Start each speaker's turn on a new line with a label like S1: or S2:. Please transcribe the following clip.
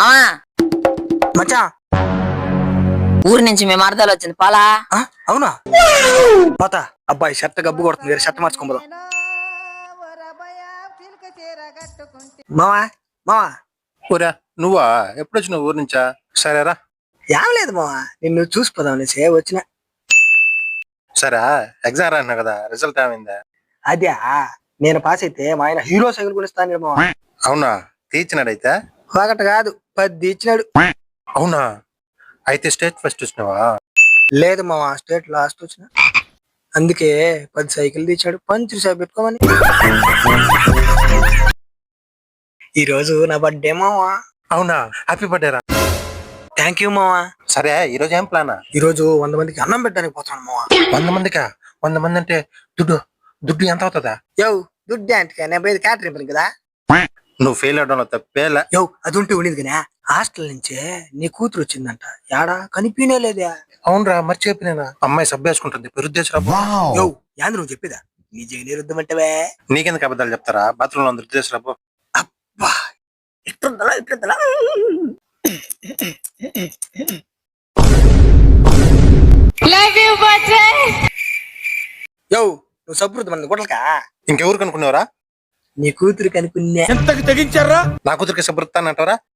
S1: మామా
S2: మచ్చా
S1: ఊరి నుంచి మేము అర్థాలు వచ్చింది పాలా.
S2: అవునా పోతా. అబ్బాయి షర్ట్ గబ్బు కొడుతుంది, వేరే షర్ట్ మార్చుకోబోదాం. మావా మావా
S3: ఊరా నువ్వా? ఎప్పుడు వచ్చినావు ఊరు నుంచా? సరేరా.
S2: ఏం లేదు మావా, నిన్ను చూసిపోదాం అనేసి వచ్చిన.
S3: సరే ఎగ్జామ్ రాన్నా కదా, రిజల్ట్ ఏమైందా?
S2: అదే నేను పాస్ అయితే మా ఆయన హీరో సైకిల్ కొనిస్తాను మావా.
S3: అవునా? తీర్చినాడైతే?
S2: ఒకటి కాదు 10 ఇచ్చినాడు.
S3: అవునా? అయితే స్టేట్ ఫస్ట్ వచ్చినావా?
S2: లేదు మావా, స్టేట్ లాస్ట్ వచ్చిన. అందుకే 10 సైకిల్ తెచ్చాడు పంచులు సేపు పెట్టుకోమని. ఈ రోజు నా బర్త్డే మావా.
S3: అవునా? హ్యాపీ బర్త్డే రా.
S2: థ్యాంక్ యూ మావా.
S3: సరే ఈ రోజు ఏం ప్లానా?
S2: ఈ రోజు 100 మందికి అన్నం పెట్టడానికి పోతాను మావా.
S3: 100 మందికా? 100 మంది అంటే దుడ్డు దుడ్డు ఎంత అవుతుందా?
S2: యో దుడ్డు అంటే నేను పోయేది క్యాటరింగ్ పని కదా.
S3: నువ్వు ఫెయిల్ అవడంలో తప్పేలా.
S2: యో అది ఉంటే ఉండేది కానీ హాస్టల్ నుంచే నీ కూతురు వచ్చిందంట, యాడా కనిపినే లేదే.
S3: అవునరా, మర్చిపోయినా. అమ్మాయి సబ్బు వేసుకుంటుంది, పెరుద్దేశరా.
S2: యో యాంది నువ్వు చెప్పేదా? నీ జగన్ రుద్దమంటవే.
S3: నీకెందుకు అబద్ధాలు చెప్తారా? బాత్రూమ్ లో రుద్దేశరా.
S2: అబ్బా ఇట్లుందలా ఇట్లుందలా. యో నువ్వు సబ్బు రుద్దమని గుడ్లకా?
S3: ఇంకెవరు కనుక్కున్నావరా?
S2: నీ కూతురు కనుకున్నా.
S3: నా కూతురికి సబ్బు రుత్తానంటారా?